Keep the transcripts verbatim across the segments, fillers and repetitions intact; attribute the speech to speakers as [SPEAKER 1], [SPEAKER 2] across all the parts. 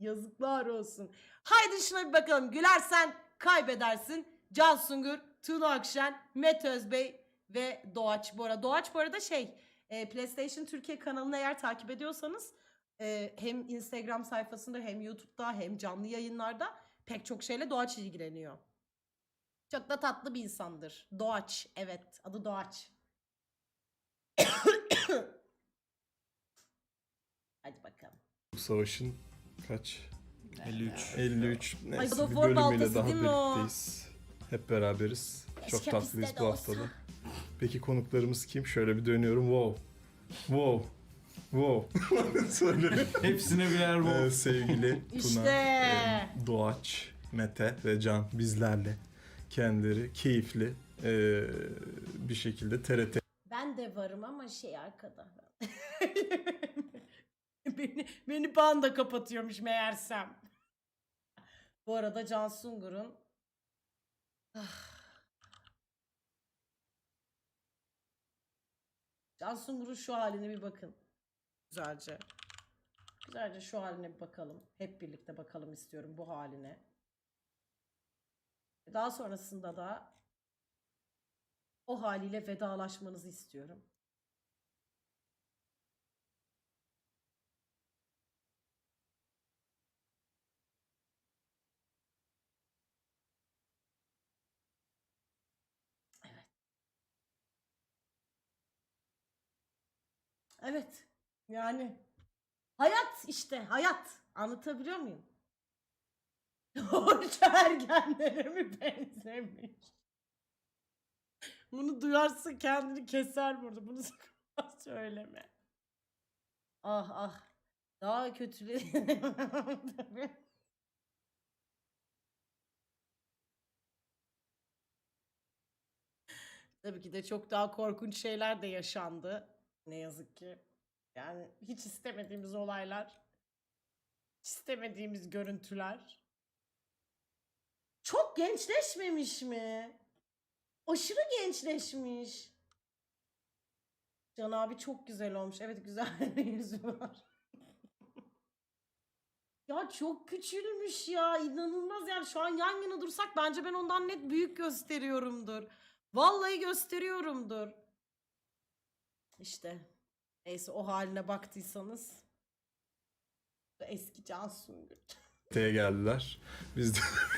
[SPEAKER 1] Yazıklar olsun. Haydi şuna bir bakalım. Gülersen kaybedersin. Can Sungur, Tuna Akşen, Mete Özbey ve Doğaç. Bu arada Doğaç bu arada şey e, PlayStation Türkiye kanalını eğer takip ediyorsanız e, hem Instagram sayfasında hem YouTube'da hem canlı yayınlarda pek çok şeyle Doğaç ilgileniyor. Çok da tatlı bir insandır. Doğaç. Evet. Adı Doğaç. Hadi bakalım.
[SPEAKER 2] Bu savaşın kaç?
[SPEAKER 3] elli üç.
[SPEAKER 2] elli üç.
[SPEAKER 1] Ay,
[SPEAKER 2] Neyse
[SPEAKER 1] God of
[SPEAKER 2] bir
[SPEAKER 1] War
[SPEAKER 2] bölümüyle
[SPEAKER 1] baltası
[SPEAKER 2] daha
[SPEAKER 1] değil mi o?
[SPEAKER 2] birlikteyiz. Hep beraberiz. Çok
[SPEAKER 1] Keşke
[SPEAKER 2] tatlıyız
[SPEAKER 1] bizde
[SPEAKER 2] bu
[SPEAKER 1] de
[SPEAKER 2] haftada.
[SPEAKER 1] olsa.
[SPEAKER 2] Peki konuklarımız kim? Şöyle bir dönüyorum. Wow. Wow. Wow. Söyle.
[SPEAKER 3] Hepsine birer
[SPEAKER 2] Ee,
[SPEAKER 3] bol.
[SPEAKER 2] sevgili Tuna,
[SPEAKER 1] İşte.
[SPEAKER 2] e, Doğaç, Mete ve Can bizlerle kendileri keyifli e, bir şekilde T R T
[SPEAKER 1] Ben de varım ama şey arkada. beni, beni banda kapatıyormuş meğersem. Bu arada Can Sungur'un Ah. Can Sungur'un şu haline bir bakın. Güzelce. Güzelce şu haline bir bakalım. Hep birlikte bakalım istiyorum bu haline. Daha sonrasında da o haliyle vedalaşmanızı istiyorum. Evet. Evet. Yani hayat işte hayat. Anlatabiliyor muyum? Orta ergenlere mi benzemiş? Bunu duyarsın kendini keser burada. Bunu sakın söyleme. Ah ah. Daha kötüleri. Tabii. Tabii ki de çok daha korkunç şeyler de yaşandı. Ne yazık ki. Yani hiç istemediğimiz olaylar. Hiç istemediğimiz görüntüler. Çok gençleşmemiş mi? Aşırı gençleşmiş. Can abi çok güzel olmuş. Evet, güzel bir yüzü var. Ya çok küçülmüş ya. İnanılmaz yani. Şu an yan yana dursak bence ben ondan net büyük gösteriyorumdur. Vallahi gösteriyorumdur. İşte. Neyse, o haline baktıysanız. Eski Can Sungur.
[SPEAKER 2] T'ye geldiler. Biz de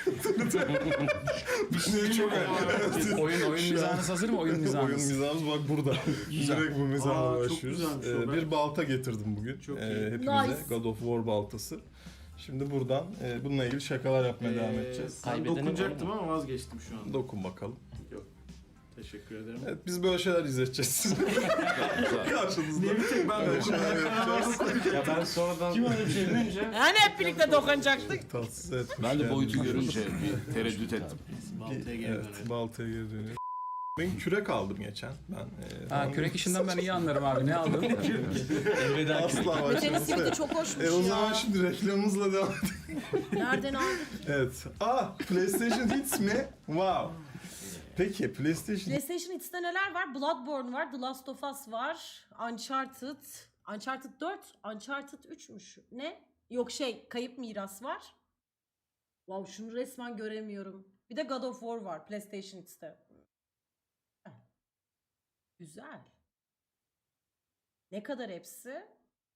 [SPEAKER 3] Bir şey çok
[SPEAKER 4] Oyun oyun mizahınız hazır mı? Oyun
[SPEAKER 2] oyun
[SPEAKER 4] mizahınız.
[SPEAKER 2] mizahımız bak burada.
[SPEAKER 4] Güzel.
[SPEAKER 2] Direkt bu mizahla
[SPEAKER 3] Aa, çok
[SPEAKER 2] başlıyoruz.
[SPEAKER 3] güzelmiş o.
[SPEAKER 2] Ee,
[SPEAKER 3] Ben-
[SPEAKER 2] bir balta getirdim bugün.
[SPEAKER 3] Çok
[SPEAKER 2] Ee,
[SPEAKER 3] iyi.
[SPEAKER 2] hepimize
[SPEAKER 1] Nice.
[SPEAKER 2] God of War baltası. Şimdi buradan e, bununla ilgili şakalar yapmaya devam edeceğiz.
[SPEAKER 3] Ben
[SPEAKER 4] Kaybedene
[SPEAKER 3] dokunacaktım
[SPEAKER 4] var
[SPEAKER 3] ama vazgeçtim şu an.
[SPEAKER 2] Dokun bakalım.
[SPEAKER 3] Yok. Teşekkür ederim.
[SPEAKER 2] Evet, biz böyle şeyler izleteceğiz. Karşınızda.
[SPEAKER 3] Niye bir tek ben
[SPEAKER 2] Böyle şeyler yapacağız.
[SPEAKER 4] Ya ben sonradan...
[SPEAKER 3] Kim öyle bir şey duyunca?
[SPEAKER 1] Yani hep birlikte dokunacaktık.
[SPEAKER 2] Tatsız etmiş.
[SPEAKER 5] Ben de
[SPEAKER 2] yani.
[SPEAKER 5] boyutu görünce bir tereddüt ettim.
[SPEAKER 3] Baltaya geri
[SPEAKER 2] Evet,
[SPEAKER 3] dönelim.
[SPEAKER 2] baltaya geri dönüyor. Ben kürek aldım geçen. Ben e,
[SPEAKER 4] Ha, kürek işinden ben iyi anlarım abi. Ne aldın?
[SPEAKER 3] Elveda
[SPEAKER 2] asla
[SPEAKER 1] Mete'nin
[SPEAKER 2] başlaması.
[SPEAKER 1] simidi çok hoşmuş
[SPEAKER 2] E o
[SPEAKER 1] ya.
[SPEAKER 2] zaman şimdi reklamımızla devam edelim.
[SPEAKER 1] Nereden aldık?
[SPEAKER 2] Evet. Ah, PlayStation Hits mi? Wow. Peki PlayStation
[SPEAKER 1] PlayStation X'te neler var? Bloodborne var, The Last of Us var, Uncharted, Uncharted dört, Uncharted üçmüş. Ne? Yok şey, Kayıp Miras var. Wow, şunu resmen göremiyorum. Bir de God of War var PlayStation X'te. Heh. Güzel. Ne kadar hepsi?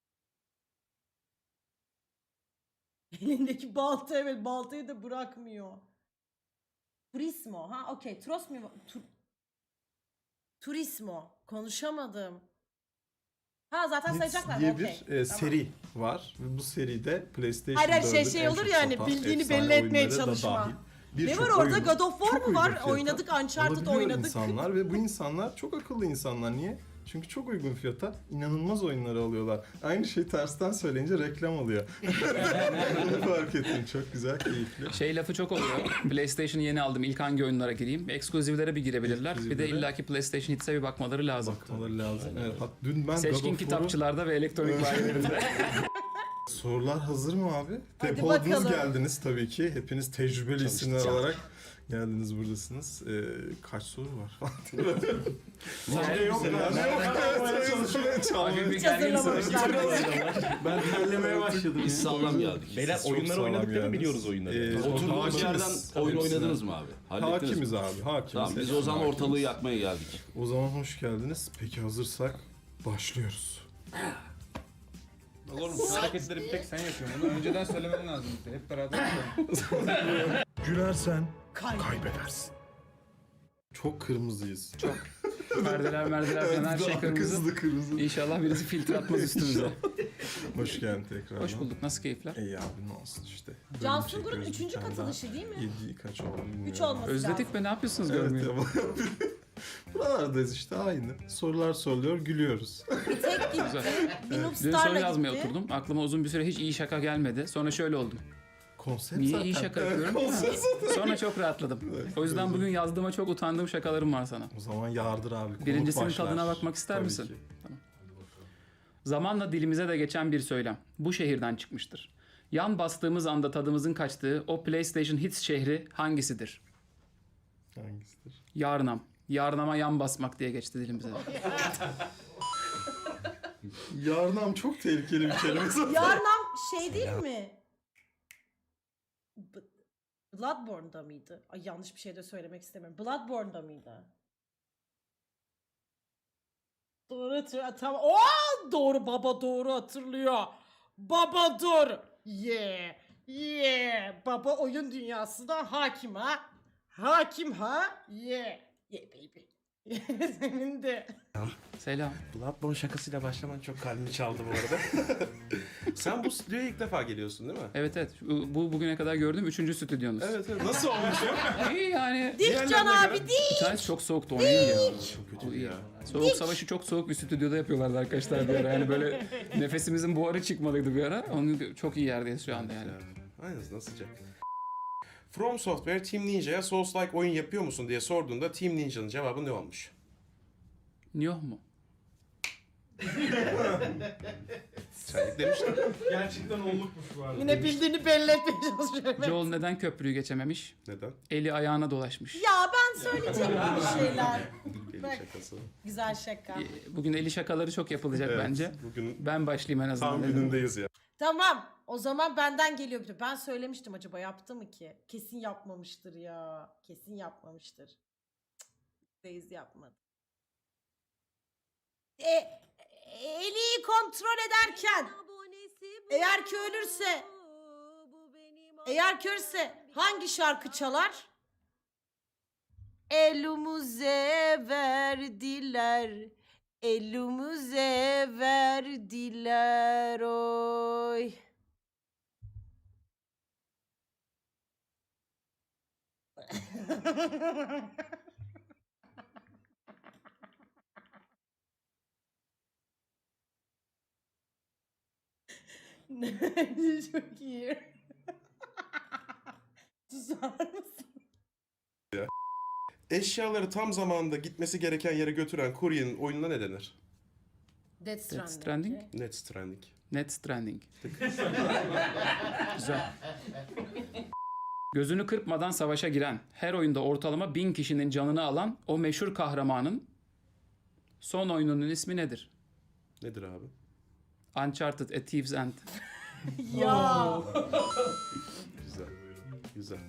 [SPEAKER 1] Elindeki balta, evet, baltayı da bırakmıyor. Turismo. Ha okey. Trosmo. Tu, Turismo. Konuşamadım. Ha zaten
[SPEAKER 2] Hits
[SPEAKER 1] sayacaklar.
[SPEAKER 2] diye
[SPEAKER 1] Okey.
[SPEAKER 2] bir e,
[SPEAKER 1] Tamam.
[SPEAKER 2] seri var. Ve bu seride PlayStation
[SPEAKER 1] Hayır, hayır, şey-
[SPEAKER 2] dördün
[SPEAKER 1] şey
[SPEAKER 2] en
[SPEAKER 1] olur
[SPEAKER 2] çok
[SPEAKER 1] ya hani
[SPEAKER 2] satan
[SPEAKER 1] bildiğini
[SPEAKER 2] efsane
[SPEAKER 1] belli etmeye
[SPEAKER 2] oyunları da
[SPEAKER 1] çalışma.
[SPEAKER 2] dahil.
[SPEAKER 1] Ne
[SPEAKER 2] Birçok
[SPEAKER 1] var orada?
[SPEAKER 2] oyunu
[SPEAKER 1] God of War
[SPEAKER 2] çok
[SPEAKER 1] mu var?
[SPEAKER 2] uygun fiyata
[SPEAKER 1] Oynadık, Uncharted
[SPEAKER 2] alabiliyor
[SPEAKER 1] oynadık.
[SPEAKER 2] insanlar ve bu insanlar çok akıllı insanlar. Niye? Çünkü çok uygun fiyata inanılmaz oyunları alıyorlar. Aynı şey tersten söyleyince reklam oluyor. Bunu fark ettim. Çok güzel, keyifli.
[SPEAKER 4] Şey lafı çok oluyor. PlayStation'ı yeni aldım. İlk hangi oyunlara gireyim? Ekskluzivlere bir girebilirler. Bir de
[SPEAKER 2] Ekskluzivlere.
[SPEAKER 4] illaki PlayStation Hits'e bir bakmaları lazım.
[SPEAKER 2] Bakmaları lazım. Evet, hat- dün ben God
[SPEAKER 4] Seçkin
[SPEAKER 2] of War'u...
[SPEAKER 4] kitapçılarda ve elektronik bayilerinde.
[SPEAKER 2] Sorular hazır mı abi?
[SPEAKER 1] Hadi
[SPEAKER 2] Depoladınız
[SPEAKER 1] bakalım.
[SPEAKER 2] geldiniz tabii ki. Hepiniz tecrübeli isimler
[SPEAKER 1] Çalışacağım.
[SPEAKER 2] olarak Geldiniz, buradasınız. Ee, kaç soru var?
[SPEAKER 3] Bence yok ya.
[SPEAKER 4] Hafif bir
[SPEAKER 1] Hiç
[SPEAKER 4] gergin
[SPEAKER 1] hazırlamamışlar.
[SPEAKER 3] Ben terlemeye başladım
[SPEAKER 5] Biz
[SPEAKER 3] ya.
[SPEAKER 5] sağlam geldik.
[SPEAKER 6] Beyler
[SPEAKER 2] Çok
[SPEAKER 6] oyunları
[SPEAKER 2] sağlam
[SPEAKER 6] oynadık değil mi?
[SPEAKER 2] geldiniz.
[SPEAKER 6] Biliyoruz oyunları.
[SPEAKER 2] Ee,
[SPEAKER 5] Oturduğumuz
[SPEAKER 2] hakimiz.
[SPEAKER 5] yerden oyun
[SPEAKER 2] Hepsine.
[SPEAKER 5] oynadınız mı abi? Hallettiniz
[SPEAKER 2] Hakimiz
[SPEAKER 5] mi?
[SPEAKER 2] abi, hakimiz.
[SPEAKER 5] Tamam biz
[SPEAKER 2] Hepsine
[SPEAKER 5] o zaman
[SPEAKER 2] hakimiz.
[SPEAKER 5] ortalığı yakmaya geldik.
[SPEAKER 2] O zaman hoş geldiniz. Peki hazırsak başlıyoruz.
[SPEAKER 4] Oğlum bu hareketleri bir tek sen yapıyorsun. Bunu önceden söylemen lazım. Hep beraber yapalım.
[SPEAKER 2] Gülersen
[SPEAKER 1] Kaybeder.
[SPEAKER 2] kaybedersin. Çok kırmızıyız. Çok.
[SPEAKER 4] Merdiler merdiler falan her şey kırmızı.
[SPEAKER 2] Kızdı kırmızı.
[SPEAKER 4] İnşallah birisi filtre atmaz üstümüze.
[SPEAKER 2] Hoş geldin tekrar.
[SPEAKER 4] Hoş bulduk. Nasıl keyifler?
[SPEAKER 2] İyi abi, ne olsun işte. Bölüm
[SPEAKER 1] Can
[SPEAKER 2] çekiyoruz
[SPEAKER 1] Sungur'un
[SPEAKER 2] bir
[SPEAKER 1] üçüncü
[SPEAKER 2] tane
[SPEAKER 1] katılışı
[SPEAKER 2] daha.
[SPEAKER 1] değil mi?
[SPEAKER 2] Yedi kaç oldu bilmiyorum.
[SPEAKER 1] Üç olması
[SPEAKER 4] Özledik
[SPEAKER 1] lazım.
[SPEAKER 4] be, ne yapıyorsunuz
[SPEAKER 2] Evet
[SPEAKER 4] görmeyi?
[SPEAKER 2] ama buralardayız işte, aynı. Sorular soruluyor, gülüyoruz.
[SPEAKER 1] Tek gitti. Bir
[SPEAKER 4] Dün soru
[SPEAKER 1] Noobstar'la
[SPEAKER 4] yazmaya
[SPEAKER 1] gitti.
[SPEAKER 4] oturdum. Aklıma uzun bir süre hiç iyi şaka gelmedi. Sonra şöyle oldum.
[SPEAKER 2] Konsept
[SPEAKER 4] Niye
[SPEAKER 2] zaten.
[SPEAKER 4] iyi şaka
[SPEAKER 2] Evet,
[SPEAKER 4] yapıyorum?
[SPEAKER 2] konsept zaten.
[SPEAKER 4] Sonra çok rahatladım. O yüzden bugün yazdığıma çok utandığım şakalarım var sana.
[SPEAKER 2] O zaman yardır abi. konuk
[SPEAKER 4] Birincisinin
[SPEAKER 2] başlar.
[SPEAKER 4] tadına bakmak ister
[SPEAKER 2] Tabii
[SPEAKER 4] misin?
[SPEAKER 2] ki.
[SPEAKER 4] Zamanla dilimize de geçen bir söylem. Bu şehirden çıkmıştır. Yan bastığımız anda tadımızın kaçtığı o PlayStation Hits şehri hangisidir?
[SPEAKER 2] Hangisidir?
[SPEAKER 4] Yarnam. Yarnama yan basmak diye geçti dilimize.
[SPEAKER 2] Yarnam çok tehlikeli bir kelime zaten.
[SPEAKER 1] Yarnam şey değil mi? B- Bloodborne'da mıydı? Ay yanlış bir şey de söylemek istemiyorum. Bloodborne'da mıydı? Doğru hatırlıyor. Tamam. Oo, doğru baba, doğru hatırlıyor. Baba dur. Yeah. Yeah. Baba oyun dünyasına hakim ha. Hakim ha. Yeah. Yeah baby. Senin de.
[SPEAKER 4] Selam.
[SPEAKER 6] Bloodborne şakasıyla başlaman çok kalbimi çaldı bu arada. Sen bu stüdyoya ilk defa geliyorsun değil mi?
[SPEAKER 4] Evet evet. Bu bu bugüne kadar gördüğüm üçüncü stüdyonuz.
[SPEAKER 6] Evet evet. Nasıl olmuş ya?
[SPEAKER 4] İyi yani.
[SPEAKER 1] Dik Can
[SPEAKER 6] Diğerlerine
[SPEAKER 1] abi
[SPEAKER 6] göre-
[SPEAKER 1] dik.
[SPEAKER 4] Bir tanesi çok soğuktu, o iyi ya.
[SPEAKER 6] Çok
[SPEAKER 4] O
[SPEAKER 6] kötü
[SPEAKER 4] iyi.
[SPEAKER 6] ya.
[SPEAKER 4] Soğuk savaşı çok soğuk bir stüdyoda yapıyorlardı arkadaşlar bir ara. Yani böyle nefesimizin buharı çıkmalıydı bir ara. Onun çok iyi yerdeyiz şu anda yani.
[SPEAKER 6] Aynen, nasıl sıcak. From Software Team Ninja'ya Souls-like oyun yapıyor musun diye sorduğunda Team Ninja'nın cevabı ne olmuş?
[SPEAKER 4] Yok mu?
[SPEAKER 6] Sen demiştin.
[SPEAKER 3] Gerçekten onlukmuş bu arada.
[SPEAKER 1] Yine bildiğini belli etmeye çalışıyorum.
[SPEAKER 4] Joel neden köprüyü geçememiş?
[SPEAKER 6] Neden?
[SPEAKER 4] Eli ayağına dolaşmış.
[SPEAKER 1] Ya ben söyleyecektim bir şeyler.
[SPEAKER 6] Deli
[SPEAKER 1] Bak.
[SPEAKER 6] şakası.
[SPEAKER 1] Güzel şaka.
[SPEAKER 4] Ee, Bugün eli şakaları çok yapılacak
[SPEAKER 6] Evet,
[SPEAKER 4] bence.
[SPEAKER 6] bugün
[SPEAKER 4] Ben başlayayım en azından.
[SPEAKER 6] tam
[SPEAKER 4] dedim.
[SPEAKER 6] günündeyiz ya.
[SPEAKER 1] Tamam. O zaman benden geliyor bir de. Ben söylemiştim, acaba yaptı mı ki? Kesin yapmamıştır ya. Kesin yapmamıştır. Cık, Reis yapmadı. E, Eli'yi kontrol ederken eğer ki ölürse eğer ki ölürse hangi şarkı çalar? Elimize verdiler, elimize verdiler oy. Bence çok iyi. Susar mısın?
[SPEAKER 6] Eşyaları tam zamanında gitmesi gereken yere götüren kuryenin oyununa ne denir?
[SPEAKER 1] Death Stranding.
[SPEAKER 4] Stranding?
[SPEAKER 6] Net Stranding.
[SPEAKER 4] Net Stranding. Güzel. Gözünü kırpmadan savaşa giren, her oyunda ortalama bin kişinin canını alan o meşhur kahramanın son oyununun ismi nedir?
[SPEAKER 6] Nedir abi?
[SPEAKER 4] Uncharted: A Thief's End.
[SPEAKER 1] Ya.
[SPEAKER 6] Güzel. Güzel.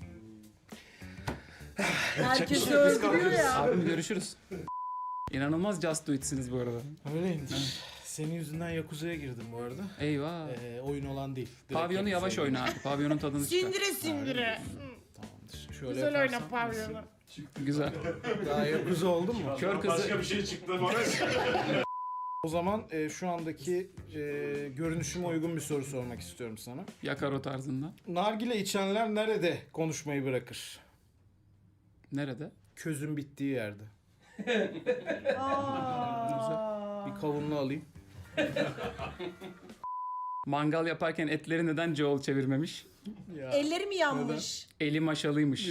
[SPEAKER 1] Herkes
[SPEAKER 6] Biz
[SPEAKER 1] öldürüyor
[SPEAKER 6] kalkıyoruz.
[SPEAKER 1] ya.
[SPEAKER 4] Abim görüşürüz. İnanılmaz Just Do It'siniz bu arada.
[SPEAKER 3] Öyleymiş. Senin yüzünden Yakuza'ya girdim bu arada.
[SPEAKER 4] Eyvah.
[SPEAKER 3] Ee, oyun olan değil. Direkt
[SPEAKER 4] Pavyonu yavaş
[SPEAKER 3] Yakuza'ya
[SPEAKER 4] oyna abi. Pavyonun tadını çıkar.
[SPEAKER 1] Sindire sindire.
[SPEAKER 3] girdim. Tamamdır. Şöyle
[SPEAKER 1] Güzel
[SPEAKER 3] yaparsam
[SPEAKER 1] oyna pavyonu.
[SPEAKER 4] Güzel.
[SPEAKER 3] Daha Yakuza oldun mu?
[SPEAKER 4] Kör kızı.
[SPEAKER 3] bir şey çıktı bana. O zaman e, şu andaki e, görünüşüme uygun bir soru sormak istiyorum sana.
[SPEAKER 4] Yakar o tarzında.
[SPEAKER 3] Nargile içenler nerede konuşmayı bırakır?
[SPEAKER 4] Nerede?
[SPEAKER 3] Közün bittiği yerde.
[SPEAKER 1] Aa.
[SPEAKER 3] Bir kavunlu alayım.
[SPEAKER 4] Mangal yaparken etleri neden Joel çevirmemiş?
[SPEAKER 3] Ya.
[SPEAKER 1] Elleri mi yanmış?
[SPEAKER 4] Eli maşalıymış.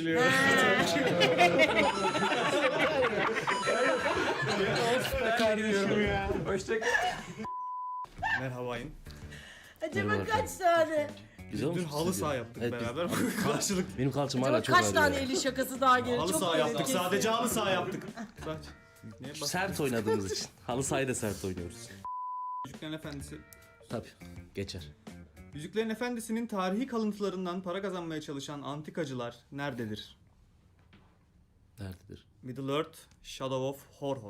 [SPEAKER 3] Merhabayım.
[SPEAKER 1] Acaba kaç tane
[SPEAKER 5] Güzel
[SPEAKER 7] Dün
[SPEAKER 5] olmuş.
[SPEAKER 7] halı saha yaptık
[SPEAKER 5] Evet, biz-
[SPEAKER 7] beraber. Karşılık.
[SPEAKER 5] Benim kalçam hala
[SPEAKER 1] Acaba
[SPEAKER 5] çok
[SPEAKER 1] kaç
[SPEAKER 5] ağrıyor.
[SPEAKER 1] tane
[SPEAKER 5] ya.
[SPEAKER 1] eli şakası daha gelir?
[SPEAKER 7] Halı
[SPEAKER 1] Çok
[SPEAKER 7] saha yaptık.
[SPEAKER 1] hareketli.
[SPEAKER 7] Sadece halı saha yaptık. Saç. Ne bak.
[SPEAKER 5] Sert oynadığımız için. Halı sahayı da sert oynuyoruz.
[SPEAKER 7] Yüzüklerin Efendisi.
[SPEAKER 5] Tabii. Geçer.
[SPEAKER 7] Yüzüklerin Efendisi'nin tarihi kalıntılarından para kazanmaya çalışan antikacılar nerededir?
[SPEAKER 5] Nerededir?
[SPEAKER 7] Middle Earth, Shadow of Horror.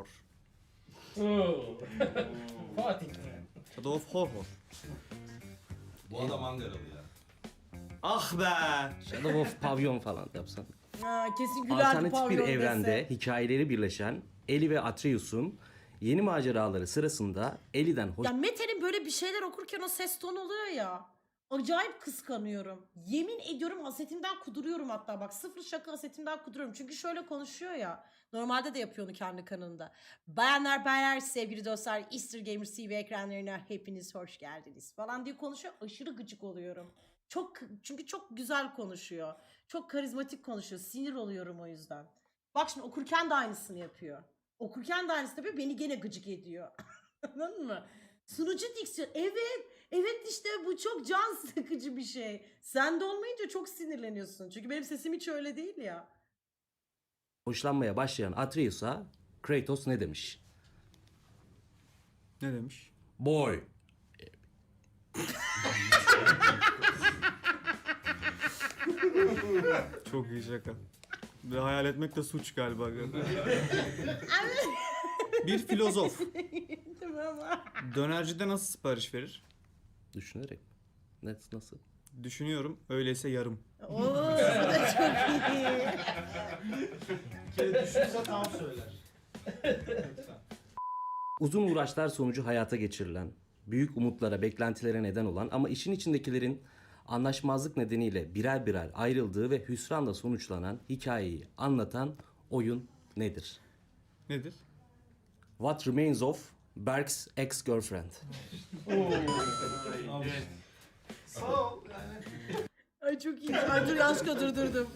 [SPEAKER 7] Shadow of Horror.
[SPEAKER 6] Bu adam Ankaralı ya.
[SPEAKER 7] Ah be!
[SPEAKER 5] Shadow of Pavyon falan yapsan.
[SPEAKER 1] Ha, kesin gülerdi
[SPEAKER 5] Alternatif bir
[SPEAKER 1] pavyon
[SPEAKER 5] evrende
[SPEAKER 1] dese.
[SPEAKER 5] hikayeleri birleşen Ellie ve Atreus'un yeni maceraları sırasında Ellie'den hoş...
[SPEAKER 1] Ya Mete'nin böyle bir şeyler okurken o ses tonu oluyor ya. Acayip kıskanıyorum. Yemin ediyorum hasetimden kuduruyorum hatta. Bak sıfır şaka hasetimden kuduruyorum. Çünkü şöyle konuşuyor ya. Normalde de yapıyor onu kendi kanalında. Bayanlar baylar sevgili dostlar. Easter Gamers T V ekranlarına hepiniz hoş geldiniz falan diye konuşuyor. Aşırı gıcık oluyorum. Çok çünkü çok güzel konuşuyor. Çok karizmatik konuşuyor. Sinir oluyorum o yüzden. Bak şimdi okurken de aynısını yapıyor. Okurken de aynısını yapıyor. Beni gene gıcık ediyor. Anladın mı? Sunucu diksiyon. Evet. Evet işte bu çok can sıkıcı bir şey. Sen de olmayınca çok sinirleniyorsun. Çünkü benim sesim hiç öyle değil ya.
[SPEAKER 5] hoşlanmaya başlayan Atreus'a Kratos ne demiş?
[SPEAKER 7] Ne demiş?
[SPEAKER 5] Boy.
[SPEAKER 7] Çok iyi şaka. Ve hayal etmek de suç galiba. Bir filozof
[SPEAKER 1] Tamam.
[SPEAKER 7] dönercide nasıl sipariş verir?
[SPEAKER 5] Düşünerek. Ne, nasıl?
[SPEAKER 7] Düşünüyorum. Öyleyse yarım.
[SPEAKER 1] Oo, bu da çok iyi.
[SPEAKER 5] Uzun uğraşlar sonucu hayata geçirilen, büyük umutlara, beklentilere neden olan ama işin içindekilerin anlaşmazlık nedeniyle birer birer ayrıldığı ve hüsranla sonuçlanan hikayeyi anlatan oyun nedir?
[SPEAKER 7] Nedir?
[SPEAKER 5] What Remains of Berk's Ex-Girlfriend.
[SPEAKER 1] Ay çok iyi. Ay dur yanlışlıkla durdurdum.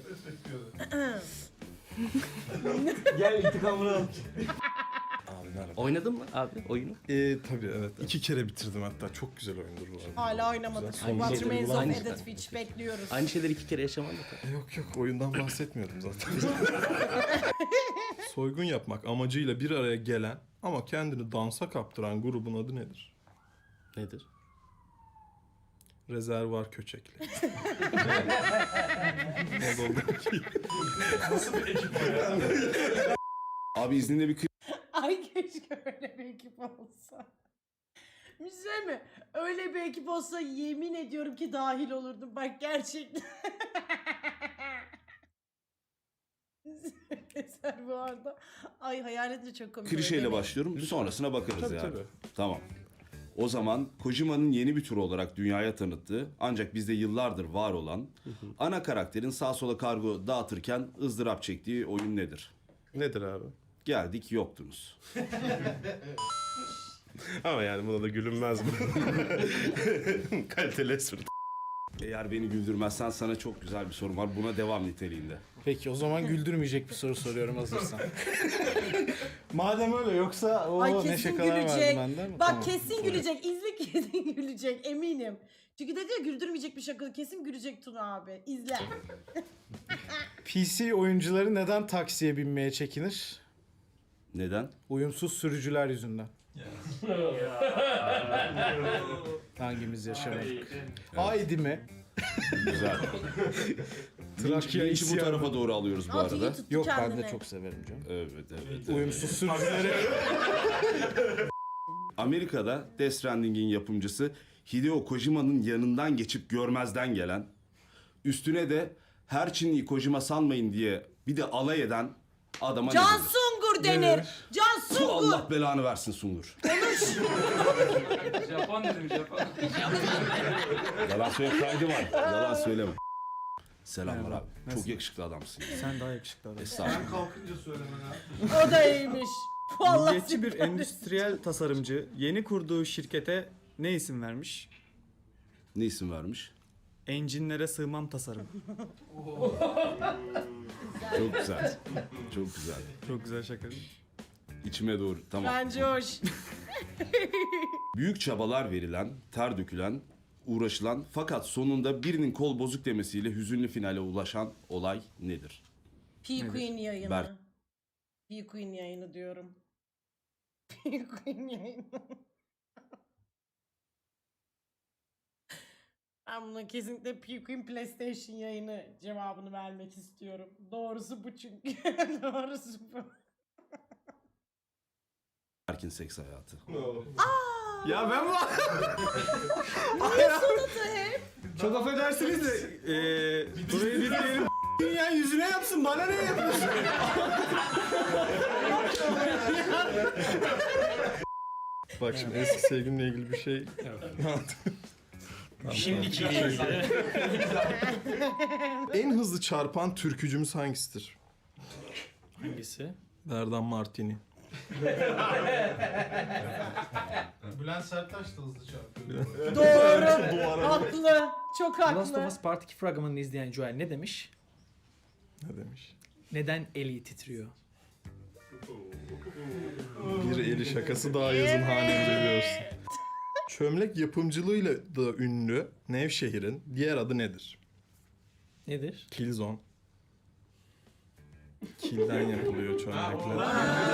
[SPEAKER 7] Gel intikamını al.
[SPEAKER 2] Abi merhaba.
[SPEAKER 5] Oynadın mı abi oyunu?
[SPEAKER 2] Ee, tabii evet. İki kere bitirdim hatta. Çok güzel oyundur bu arada.
[SPEAKER 1] Hala oynamadık.
[SPEAKER 2] Güzel.
[SPEAKER 5] Aynı
[SPEAKER 1] What
[SPEAKER 5] şeyleri
[SPEAKER 1] Remains of
[SPEAKER 5] aynı-
[SPEAKER 1] Edith Finch bekliyoruz.
[SPEAKER 5] Aynı şeyleri iki kere yaşaman da tabii.
[SPEAKER 2] Yok yok oyundan bahsetmiyordum zaten. Soygun yapmak amacıyla bir araya gelen ama kendini dansa kaptıran grubun adı nedir?
[SPEAKER 5] Nedir?
[SPEAKER 2] Rezervuar köçekli. Ne oldu?
[SPEAKER 5] Abi izninle bir
[SPEAKER 1] Ay keşke öyle bir ekip olsa. Bir şey söyleyeyim mi? Öyle bir ekip olsa yemin ediyorum ki dahil olurdum. Bak gerçekten. Eser bu arada. Ay hayal edince çok komik.
[SPEAKER 8] Klişeyle
[SPEAKER 1] Demeyin.
[SPEAKER 8] başlıyorum. Sonrasına bakarız
[SPEAKER 2] Tabii,
[SPEAKER 8] yani.
[SPEAKER 2] tabii.
[SPEAKER 8] Tamam. O zaman Kojima'nın yeni bir tür olarak dünyaya tanıttığı ancak bizde yıllardır var olan ana karakterin sağ sola kargo dağıtırken ızdırap çektiği oyun nedir?
[SPEAKER 2] Nedir abi?
[SPEAKER 8] Geldik yoktunuz.
[SPEAKER 2] Ama yani buna da gülünmez mi? Kaliteli espri.
[SPEAKER 8] Eğer beni güldürmezsen sana çok güzel bir sorum var. Buna devam niteliğinde.
[SPEAKER 3] Peki o zaman güldürmeyecek bir soru soruyorum hazırsan. Madem öyle yoksa o
[SPEAKER 1] Ay
[SPEAKER 3] ne
[SPEAKER 1] kesin
[SPEAKER 3] şakalar vardı
[SPEAKER 1] gülecek.
[SPEAKER 3] benden mi?
[SPEAKER 1] Bak
[SPEAKER 3] Tamam.
[SPEAKER 1] kesin gülecek. İzle kesin gülecek eminim. Çünkü dedi ya güldürmeyecek bir şaka. Kesin gülecek Tuna abi. İzle.
[SPEAKER 3] P C oyuncuları neden taksiye binmeye çekinir?
[SPEAKER 8] Neden?
[SPEAKER 3] Uyumsuz sürücüler yüzünden. Hangimiz yaşamadık? Haydi mi?
[SPEAKER 8] Güzel.
[SPEAKER 3] Trakya
[SPEAKER 8] Linç'i bu
[SPEAKER 3] isyanı.
[SPEAKER 8] tarafa doğru alıyoruz bu
[SPEAKER 1] Altı iyi
[SPEAKER 8] arada.
[SPEAKER 1] tuttu
[SPEAKER 3] Yok ben
[SPEAKER 1] kendine.
[SPEAKER 3] de çok severim canım.
[SPEAKER 8] Evet, evet. evet.
[SPEAKER 3] Uyumsuz sürücüleri.
[SPEAKER 8] Amerika'da Death Stranding'in yapımcısı Hideo Kojima'nın yanından geçip görmezden gelen, üstüne de her Çinliyi Kojima sanmayın diye bir de alay eden adama
[SPEAKER 1] Can
[SPEAKER 8] ne denir?
[SPEAKER 1] Sungur denir. Can
[SPEAKER 8] Tu
[SPEAKER 1] Sungur.
[SPEAKER 8] Allah belanı versin Sungur.
[SPEAKER 4] Japon dedim Japon.
[SPEAKER 8] Yalan söyle kaydı var. Yalan söyleme. Selamlar
[SPEAKER 7] Merhaba.
[SPEAKER 8] abi. Çok
[SPEAKER 7] Nasılsın?
[SPEAKER 8] yakışıklı adamsın.
[SPEAKER 7] Sen daha yakışıklı adam.
[SPEAKER 8] Estağfurullah.
[SPEAKER 1] O da iyiymiş. Vallahi
[SPEAKER 7] Milliyetçi bir
[SPEAKER 1] süper.
[SPEAKER 7] endüstriyel tasarımcı yeni kurduğu şirkete ne isim vermiş?
[SPEAKER 8] Ne isim vermiş?
[SPEAKER 7] Enginlere sığmam tasarım.
[SPEAKER 8] Çok güzel. Çok güzel.
[SPEAKER 7] Çok güzel şaka değil mi?
[SPEAKER 8] İçime doğru. Tamam.
[SPEAKER 1] Bence hoş.
[SPEAKER 8] Büyük çabalar verilen, ter dökülen uğraşılan fakat sonunda birinin kol bozuk demesiyle hüzünlü finale ulaşan olay nedir?
[SPEAKER 1] P-Queen yayını.
[SPEAKER 8] Ber-
[SPEAKER 1] P-Queen yayını diyorum. P-Queen yayını. Ben buna kesinlikle P-Queen PlayStation yayını cevabını vermek istiyorum. Doğrusu bu çünkü. Doğrusu bu.
[SPEAKER 8] Berk'in seks hayatı.
[SPEAKER 7] Ya ben bu... Çok affedersiniz de eee burayı bitirelim. Dünya yüzüne yapsın, bana ne yapıyorsun?
[SPEAKER 2] Bak şimdi eski sevgilimle ilgili bir şey.
[SPEAKER 3] Şimdiki
[SPEAKER 2] En hızlı çarpan türkücümüz hangisidir?
[SPEAKER 3] hangisi?
[SPEAKER 2] Berdan Martini.
[SPEAKER 9] Bülent Serttaş da hızlı çarpıyor.
[SPEAKER 1] Doğru. Haklı. Çok
[SPEAKER 10] Last of
[SPEAKER 1] haklı.
[SPEAKER 10] Us Part iki fragmanını izleyen Joel ne demiş?
[SPEAKER 2] Ne demiş?
[SPEAKER 10] Neden eli titriyor?
[SPEAKER 2] Bir eli şakası daha yazın hanemize görsün. Çömlek yapımcılığıyla da ünlü Nevşehir'in diğer adı nedir?
[SPEAKER 10] Nedir?
[SPEAKER 2] Killzone. Kilden yapılıyor çömlekler.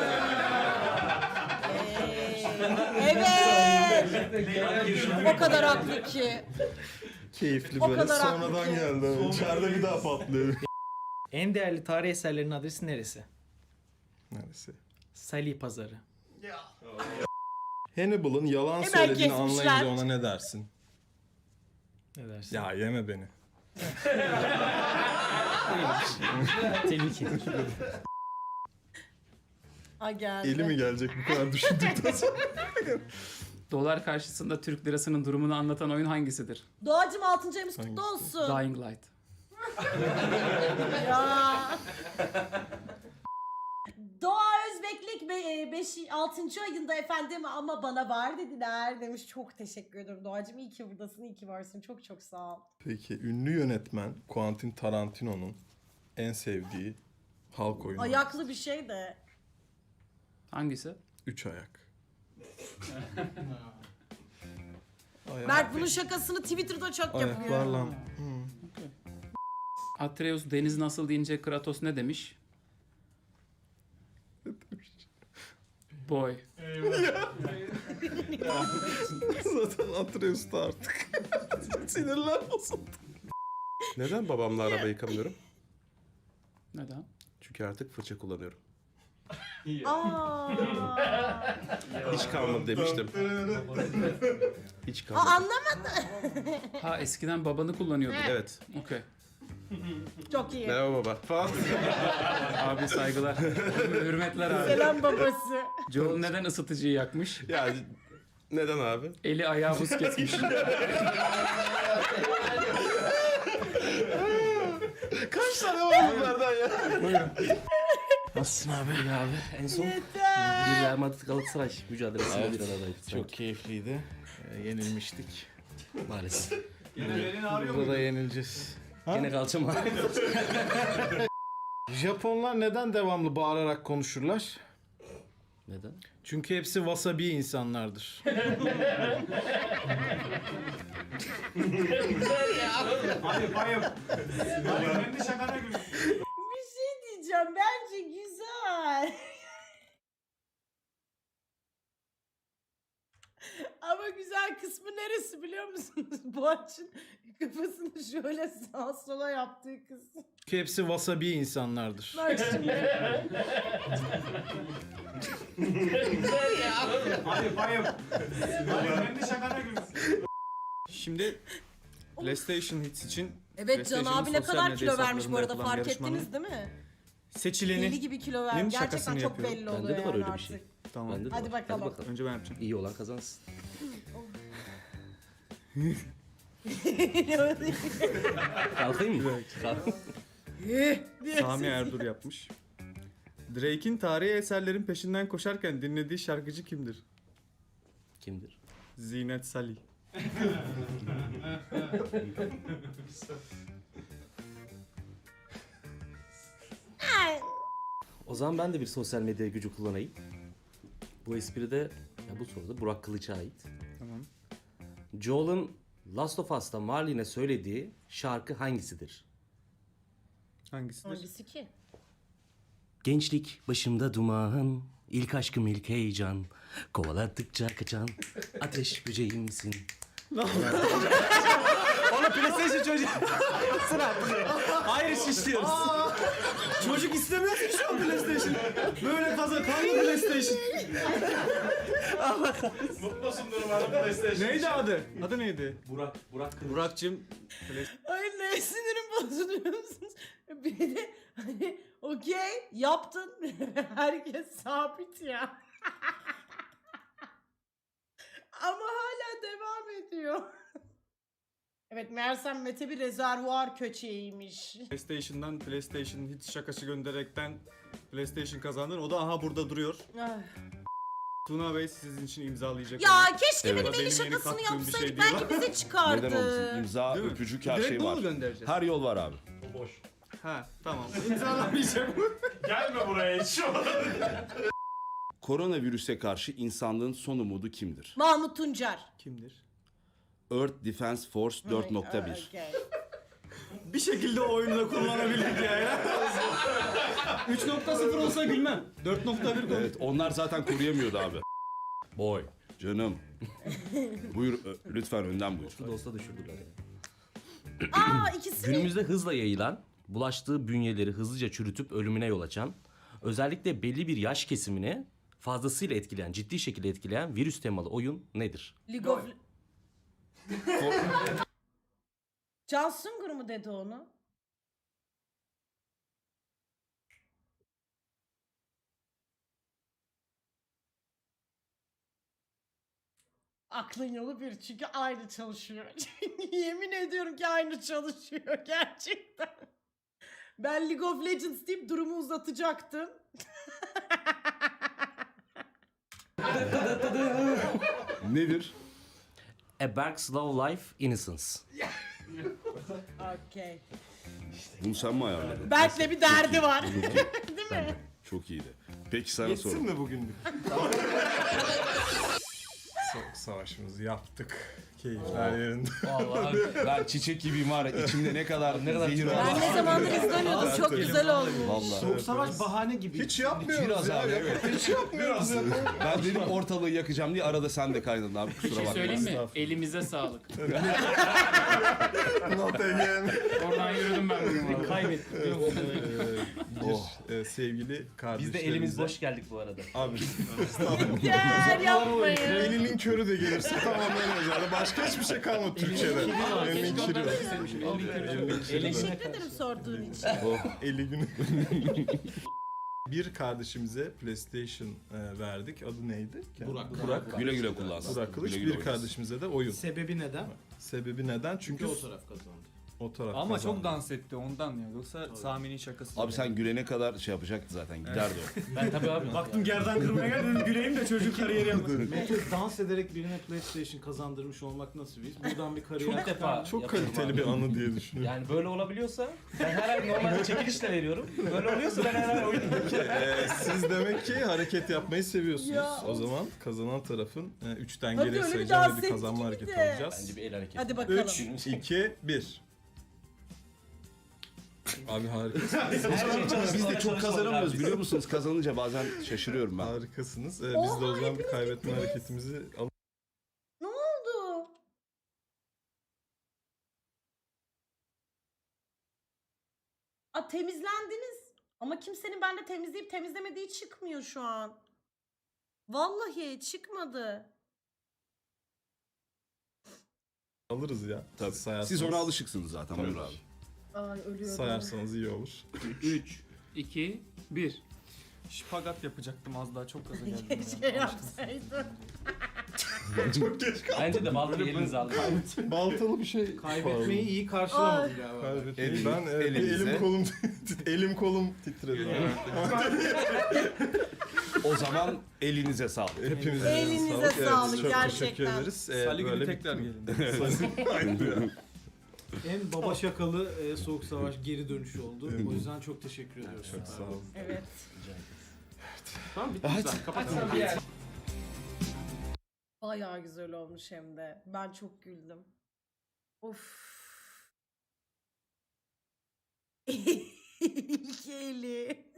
[SPEAKER 1] Evet. O kadar haklı ki.
[SPEAKER 2] Keyifli
[SPEAKER 1] O
[SPEAKER 2] böyle
[SPEAKER 1] kadar haklı
[SPEAKER 2] sonradan
[SPEAKER 1] ki.
[SPEAKER 2] geldi. İçeride bir daha patlıyor.
[SPEAKER 10] En değerli tarih eserlerinin adresi neresi?
[SPEAKER 2] Neresi?
[SPEAKER 10] Salih Pazarı.
[SPEAKER 2] Hannibal'ın yalan
[SPEAKER 1] Hemen
[SPEAKER 2] söylediğini
[SPEAKER 1] kesmişler.
[SPEAKER 2] anlayınca ona ne dersin?
[SPEAKER 10] Ne dersin?
[SPEAKER 2] Ya yeme beni.
[SPEAKER 10] Tehlike.
[SPEAKER 1] Ha geldi.
[SPEAKER 2] Eli mi gelecek bu kadar düşündükten sonra?
[SPEAKER 4] Dolar karşısında Türk lirasının durumunu anlatan oyun hangisidir?
[SPEAKER 1] Doğacım altıncı ayımız kutlu
[SPEAKER 2] Hangisi?
[SPEAKER 1] olsun.
[SPEAKER 4] Dying Light.
[SPEAKER 1] Ya. Doğa Özbeklik beş altıncı ayında efendim ama bana var dediler demiş. Çok teşekkür ederim Doğacım. İyi ki buradasın, iyi ki varsın. Çok çok sağ ol.
[SPEAKER 2] Peki ünlü yönetmen Quentin Tarantino'nun en sevdiği halk oyunu.
[SPEAKER 1] Ayaklı bir şey de.
[SPEAKER 4] Hangisi?
[SPEAKER 2] Üç ayak. Ayak.
[SPEAKER 1] Mert bunun şakasını Twitter'da çok yapıyor.
[SPEAKER 2] Ayaklarla. Hı.
[SPEAKER 4] Atreus deniz nasıl deyince Kratos ne demiş? Boy.
[SPEAKER 2] Zaten Atreus'ta artık. Sinirler bozuldu.
[SPEAKER 6] Neden babamla araba yıkamıyorum?
[SPEAKER 4] Neden?
[SPEAKER 6] Çünkü artık fırça kullanıyorum.
[SPEAKER 1] Aa.
[SPEAKER 6] Hiç kalmadı demiştim. Hiç
[SPEAKER 1] Aa,
[SPEAKER 6] kalmadı.
[SPEAKER 1] anlamadım.
[SPEAKER 4] Ha eskiden babanı kullanıyordun.
[SPEAKER 6] Evet.
[SPEAKER 4] Okey.
[SPEAKER 1] Çok iyi.
[SPEAKER 6] Merhaba baba. Falan.
[SPEAKER 4] Abi saygılar. Hürmetler abi.
[SPEAKER 1] Selam babası.
[SPEAKER 4] Joel neden ısıtıcıyı yakmış?
[SPEAKER 6] Ya neden abi?
[SPEAKER 4] Eli ayağı buz kesmiş.
[SPEAKER 6] Kaç tane var bunlardan ya?
[SPEAKER 5] Nasılsın abi? İyi abi. En son
[SPEAKER 1] Yeter.
[SPEAKER 5] bir Real Madrid Galatasaray mücadelesinde
[SPEAKER 3] Evet,
[SPEAKER 5] bir aradaydık.
[SPEAKER 3] Çok keyifliydi. Ee, yenilmiştik.
[SPEAKER 5] Maalesef.
[SPEAKER 7] Yine belin ağrıyor mu?
[SPEAKER 3] Burada da yenileceğiz.
[SPEAKER 5] Gene kalçam ağrıyor.
[SPEAKER 3] Japonlar neden devamlı bağırarak konuşurlar?
[SPEAKER 5] Neden?
[SPEAKER 3] Çünkü hepsi wasabi insanlardır.
[SPEAKER 7] Ayıp ayıp. Ayıp, kendi şakana gülüyor.
[SPEAKER 1] Bir şey diyeceğim. Bence güzel. Ama güzel kısmı neresi biliyor musunuz? Boğaç'ın kafasını şöyle sağa sola yaptığı kısım.
[SPEAKER 3] Çünkü hepsi wasabi insanlardır.
[SPEAKER 1] Bak şimdi.
[SPEAKER 7] Ayıp ayıp. Ayıp, kendi şakana gülüyor. Şimdi PlayStation Hits için
[SPEAKER 1] Evet Can abi ne kadar kilo vermiş bu arada
[SPEAKER 7] yapılan
[SPEAKER 1] fark
[SPEAKER 7] yarışmanın
[SPEAKER 1] ettiniz değil mi?
[SPEAKER 7] seçileni.
[SPEAKER 1] Deli gibi kilo vermiş.
[SPEAKER 7] Nin
[SPEAKER 1] Gerçekten
[SPEAKER 7] şakasını
[SPEAKER 1] çok
[SPEAKER 7] yapıyorum.
[SPEAKER 1] belli oluyor
[SPEAKER 5] Bende de var
[SPEAKER 1] yani
[SPEAKER 5] öyle bir
[SPEAKER 1] artık.
[SPEAKER 5] şey.
[SPEAKER 7] Tamam.
[SPEAKER 5] Bende de
[SPEAKER 1] Hadi
[SPEAKER 5] var.
[SPEAKER 1] bakalım.
[SPEAKER 7] Önce ben yapacağım.
[SPEAKER 5] İyi olan kazansın. Kalkayım mı? Kalk.
[SPEAKER 7] Sami Erdur yapmış. Drake'in tarihi eserlerin peşinden koşarken dinlediği şarkıcı kimdir?
[SPEAKER 5] Kimdir?
[SPEAKER 7] Zinet Salih.
[SPEAKER 5] O zaman ben de bir sosyal medya gücü kullanayım. Bu espri de ya bu soruda Burak Kılıç'a ait.
[SPEAKER 7] Tamam.
[SPEAKER 5] Joel'ın Last of Us'ta Marlene'e söylediği şarkı hangisidir?
[SPEAKER 7] Hangisidir?
[SPEAKER 1] Hangisi ki?
[SPEAKER 5] Gençlik başımda duman, ilk aşkım ilk heyecan, kovaladıkça kaçan ateş böceğimsin.
[SPEAKER 3] Ona PlayStation çocuğu. Sıra. Hayır iş istiyoruz. Çocuk istemiyor ki şu an PlayStation. Böyle fazla kaldı PlayStation.
[SPEAKER 9] Mutlusundur umarım PlayStation.
[SPEAKER 7] Neydi adı? Adı neydi?
[SPEAKER 5] Burak, Burak Kılıç.
[SPEAKER 7] Burak'cığım.
[SPEAKER 1] Ay ne sinirim bozuluyor musunuz? Bir de hani okey yaptın. Herkes sabit ya. Ama hala devam ediyor. Evet meğersem Mete bir rezervuar köçeğiymiş.
[SPEAKER 7] PlayStation'dan PlayStation hiç şakası göndererekten PlayStation kazandın. O da aha burada duruyor.
[SPEAKER 1] Ay.
[SPEAKER 7] Tuna Bey sizin için imzalayacak.
[SPEAKER 1] Ya
[SPEAKER 7] onu.
[SPEAKER 1] keşke
[SPEAKER 8] Evet.
[SPEAKER 1] benim
[SPEAKER 7] Benim
[SPEAKER 1] el
[SPEAKER 7] yeni
[SPEAKER 1] şakasını
[SPEAKER 7] kattığım bir şey
[SPEAKER 1] yapsaydık.
[SPEAKER 7] değil.
[SPEAKER 1] Belki bize çıkardı.
[SPEAKER 8] Neden olmasın? İmza,
[SPEAKER 7] Değil mi?
[SPEAKER 8] öpücük her
[SPEAKER 7] Direkt
[SPEAKER 8] şey
[SPEAKER 7] bunu
[SPEAKER 8] var.
[SPEAKER 7] mu göndereceğiz?
[SPEAKER 8] Her yol var abi.
[SPEAKER 7] Ha tamam. İmzalamayacak mı?
[SPEAKER 9] Gelme buraya hiç.
[SPEAKER 8] Koronavirüse karşı insanlığın son umudu kimdir?
[SPEAKER 1] Mahmut Tuncer.
[SPEAKER 7] Kimdir?
[SPEAKER 8] Earth Defense Force dört nokta bir.
[SPEAKER 1] Okey.
[SPEAKER 7] Bir şekilde o oyunu da kullanabilirdik ya. ya. üç nokta sıfır olsa gülmem. dört nokta bir
[SPEAKER 8] Evet, onlar zaten koruyamıyordu abi. Boy, canım. Buyur, ö- lütfen önden buyur.
[SPEAKER 5] Şu da olsa düşürdüler ya.
[SPEAKER 1] Aa ikisi de.
[SPEAKER 5] Günümüzde hızla yayılan, bulaştığı bünyeleri hızlıca çürütüp ölümüne yol açan, özellikle belli bir yaş kesimini fazlasıyla etkileyen, ciddi şekilde etkileyen virüs temalı oyun nedir?
[SPEAKER 1] League of... Can Sungur mu dedi onu? Aklın yolu bir çünkü aynı çalışıyor. Yemin ediyorum ki aynı çalışıyor gerçekten. Ben League of Legends deyip durumu uzatacaktım.
[SPEAKER 8] Nedir?
[SPEAKER 5] A Berg's Love Life Innocence.
[SPEAKER 1] Okey.
[SPEAKER 8] Bunu sen mi ayarladın?
[SPEAKER 1] Berk'le bir derdi var. Değil mi?
[SPEAKER 8] Çok iyiydi. Peki sana
[SPEAKER 2] Geçsin
[SPEAKER 8] sorayım.
[SPEAKER 2] mi bugünlük? Soğuk savaşımızı yaptık. Keyifler yerinde.
[SPEAKER 8] Vallahi ben çiçek gibiyim var ya, içimde ne kadar ne kadar zehir
[SPEAKER 1] Ben ne zamandır izlemiyordum. Çok güzel olmuş.
[SPEAKER 8] Vallahi.
[SPEAKER 3] Soğuk savaş bahane gibi.
[SPEAKER 2] Hiç yapmıyoruz
[SPEAKER 8] Biraz
[SPEAKER 2] ya.
[SPEAKER 8] abi, evet.
[SPEAKER 2] Hiç yapmıyoruz ya.
[SPEAKER 8] Ben dedim ortalığı yakacağım diye arada sen de kaynadın abi,
[SPEAKER 4] Bir
[SPEAKER 8] kusura
[SPEAKER 4] şey
[SPEAKER 8] bakma.
[SPEAKER 4] söyleyeyim mi? Elimize sağlık.
[SPEAKER 2] Not again.
[SPEAKER 4] Oradan yürüdüm ben. bugün.
[SPEAKER 10] Kaybettik.
[SPEAKER 2] Bir e, sevgili kardeşlerimize.
[SPEAKER 5] Biz de elimiz boş geldik bu arada.
[SPEAKER 2] Abi
[SPEAKER 1] Gel yapmayın.
[SPEAKER 2] elinin körü de gelirse tamamen özel. Başka hiçbir şey kalmadı Türkçe'de. Elinin
[SPEAKER 4] Keşke
[SPEAKER 2] kiri.
[SPEAKER 4] onları da sevmişim. Elini kıracağım.
[SPEAKER 1] Teşekkür ederim sorduğun için.
[SPEAKER 2] Eli günü. Bir kardeşimize PlayStation e, verdik. Adı neydi?
[SPEAKER 3] Burak.
[SPEAKER 2] Burak.
[SPEAKER 8] Güle güle kullansın.
[SPEAKER 2] Burak Kılıç.
[SPEAKER 8] Güle güle
[SPEAKER 2] Bir
[SPEAKER 8] oynasın.
[SPEAKER 2] kardeşimize de oyun.
[SPEAKER 3] Sebebi neden?
[SPEAKER 2] Sebebi neden? Çünkü
[SPEAKER 3] Çünkü o taraf kazandı.
[SPEAKER 2] o taraf
[SPEAKER 7] Ama
[SPEAKER 2] kazandı.
[SPEAKER 7] çok dans etti ondan ya. Yoksa Sami'nin şakası.
[SPEAKER 8] Abi sen gülene kadar şey yapacaktı zaten, giderdi o.
[SPEAKER 5] Ben tabii abi.
[SPEAKER 3] Baktım gerdan kırmaya geldim güleyim de çocuk kariyeri yapmasın. Mete dans ederek birine PlayStation kazandırmış olmak nasıl bir his? Buradan bir kariyer
[SPEAKER 5] Çok defa
[SPEAKER 2] Çok
[SPEAKER 5] yapıyorum
[SPEAKER 2] kaliteli
[SPEAKER 5] abi.
[SPEAKER 2] bir anı diye düşünüyorum.
[SPEAKER 5] Yani böyle olabiliyorsa ben her ay normalde çekiliş de veriyorum. Böyle oluyorsa ben her ay oynuyorum.
[SPEAKER 2] Ee, siz demek ki hareket yapmayı seviyorsunuz.
[SPEAKER 1] Ya,
[SPEAKER 2] o zaman kazanan tarafın e, üçten
[SPEAKER 1] Hadi
[SPEAKER 2] geriye
[SPEAKER 1] öyle bir
[SPEAKER 2] sayacağım
[SPEAKER 1] dans
[SPEAKER 2] ve bir kazanma
[SPEAKER 1] ettik
[SPEAKER 2] hareketi
[SPEAKER 1] bir de.
[SPEAKER 2] alacağız.
[SPEAKER 5] Bence bir el hareketi.
[SPEAKER 1] Hadi bakalım.
[SPEAKER 2] üç, iki, bir. Abi harikasınız.
[SPEAKER 8] Biz de çok kazanamıyoruz biliyor musunuz? Kazanınca bazen şaşırıyorum ben.
[SPEAKER 2] Harikasınız. Ee, biz de
[SPEAKER 1] Oha,
[SPEAKER 2] o zaman bir kaybetme hareketimizi alalım.
[SPEAKER 1] Ne oldu? Aa, temizlendiniz. Ama kimsenin bende temizleyip temizlemediği çıkmıyor şu an. Vallahi çıkmadı.
[SPEAKER 2] Alırız ya.
[SPEAKER 8] Tabii.
[SPEAKER 2] Sayarsanız.
[SPEAKER 8] Siz ona alışıksınız zaten.
[SPEAKER 2] Tabii.
[SPEAKER 8] Buyur abi.
[SPEAKER 1] Ay ölüyorum.
[SPEAKER 2] Sayarsanız iyi olur.
[SPEAKER 4] üç, iki, bir.
[SPEAKER 7] Şpagat yapacaktım az daha, çok gaza geldim.
[SPEAKER 1] Keşke yapsaydın.
[SPEAKER 2] Çok geç kaldım.
[SPEAKER 5] Bence de baltayı elinize alın.
[SPEAKER 2] Baltalı bir şey.
[SPEAKER 3] Kaybetmeyi iyi karşılamadım galiba.
[SPEAKER 2] Kaybetmeyi.
[SPEAKER 8] Eliniz-
[SPEAKER 2] Ben e, bir
[SPEAKER 8] elinize.
[SPEAKER 2] elim kolum elim kolum titredi.
[SPEAKER 8] O zaman elinize sağlık.
[SPEAKER 2] Hepinize
[SPEAKER 1] Elinize
[SPEAKER 2] Evet,
[SPEAKER 1] sağlık,
[SPEAKER 2] çok
[SPEAKER 1] gerçekten.
[SPEAKER 2] teşekkür ederiz. Ee,
[SPEAKER 7] Salı günü
[SPEAKER 2] böyle
[SPEAKER 7] tekrar
[SPEAKER 2] bitti.
[SPEAKER 7] gelin.
[SPEAKER 2] Aynen.
[SPEAKER 3] En baba şakalı e, soğuk savaş geri dönüşü oldu. O yüzden çok teşekkür ediyoruz.
[SPEAKER 2] Çok sağ olun.
[SPEAKER 1] Evet.
[SPEAKER 5] Tamam bitti güzel. Kapatalım.
[SPEAKER 1] Bayağı güzel olmuş hem de. Ben çok güldüm. Of. İlk eli.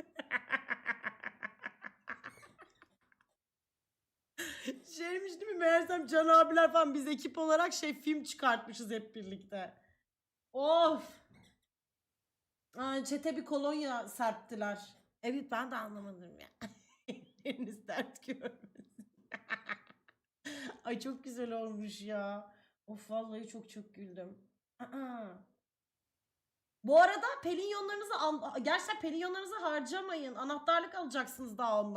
[SPEAKER 1] Şeymiş değil mi? Meğersem Can abiler falan biz ekip olarak şey film çıkartmışız hep birlikte. Of. Ay, çete bir kolonya serptiler. Evet ben de anlamadım ya. Elleriniz dert görmesin. Ay çok güzel olmuş ya. Of vallahi çok çok güldüm. Aa. Bu arada pelinyonlarınızı al- gerçekten pelinyonlarınızı harcamayın. Anahtarlık alacaksınız daha ondan.